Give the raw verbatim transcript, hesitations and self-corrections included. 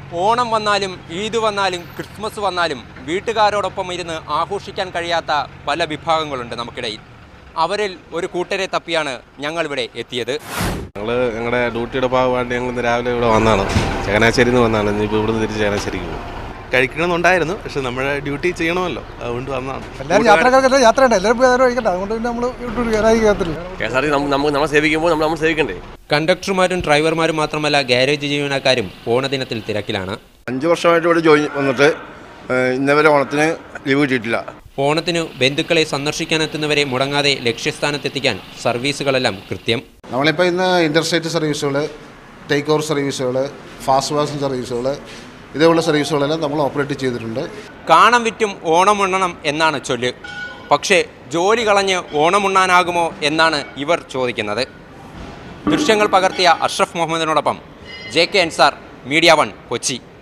ഓണം വന്നാലും ഈദ് വന്നാലും ക്രിസ്മസ് വന്നാലും വീട്ടുകാരോടൊപ്പം ഇരുന്ന് ആഘോഷിക്കാൻ കഴിയാത്ത പല വിഭാഗങ്ങളുണ്ട് നമുക്കിടയിൽ. അവരിൽ ഒരു കൂട്ടരെ തപ്പിയാണ് ഞങ്ങളിവിടെ എത്തിയത്. ഞങ്ങൾ ഞങ്ങളുടെ ഡ്യൂട്ടിയുടെ ഭാഗമായിട്ട് ഞങ്ങൾ ഇന്ന് രാവിലെ ഇവിടെ വന്നതാണ്. ചങ്ങനാശ്ശേരിയിൽ നിന്ന് വന്നതാണ്. ഇനിയിപ്പോൾ ഇവിടുന്ന് തിരിച്ച് ചങ്ങനാശ്ശേരിക്ക് പോകും. കഴിക്കണമെന്നുണ്ടായിരുന്നു, പക്ഷെ നമ്മുടെ ഡ്യൂട്ടി ചെയ്യണമല്ലോ, അതുകൊണ്ട് വന്നതാണ്. എല്ലാവരും യാത്രക്കാർക്ക് യാത്രയുണ്ട്, എല്ലാവരും കഴിക്കട്ടെ, അതുകൊണ്ട് പിന്നെ നമ്മൾ കെ എസ് ആർ ടി നമുക്ക് നമ്മൾ സേവിക്കുമ്പോൾ നമ്മൾ നമ്മൾ സേവിക്കണ്ടേ. കണ്ടക്ടർമാരും ഡ്രൈവർമാരും മാത്രമല്ല ഗാരേജ് ജീവനക്കാരും ഓണദിനത്തിൽ തിരക്കിലാണ്. അഞ്ച് വർഷമായിട്ട് ഇവിടെ ജോയിൻ വന്നിട്ട് ഇന്നവരെ ഓണത്തിന് ലീവ് കിട്ടിയിട്ടില്ല. ഓണത്തിന് ബന്ധുക്കളെ സന്ദർശിക്കാനെത്തുന്നവരെ മുടങ്ങാതെ ലക്ഷ്യസ്ഥാനത്തെത്തിക്കാൻ സർവീസുകളെല്ലാം കൃത്യം. നമ്മളിപ്പോൾ ഇന്ന് ഇൻ്റർസ്റ്റേറ്റ് സർവീസുകൾ, ടേക്ക് ഓവർ സർവീസുകൾ, ഫാസ്റ്റ് പാസഞ്ചർ സർവീസുകൾ, ഇതേപോലുള്ള സർവീസുകളെല്ലാം നമ്മൾ ഓപ്പറേറ്റ് ചെയ്തിട്ടുണ്ട്. കാണം വിറ്റും ഓണമുണ്ണണം എന്നാണ് ചൊല്ല്. പക്ഷേ ജോലി കളഞ്ഞ് ഓണമുണ്ണാനാകുമോ എന്നാണ് ഇവർ ചോദിക്കുന്നത്. ദൃശ്യങ്ങൾ പകർത്തിയ അഷ്റഫ് മുഹമ്മദിനോടൊപ്പം J K Ansar, media one, Kochi.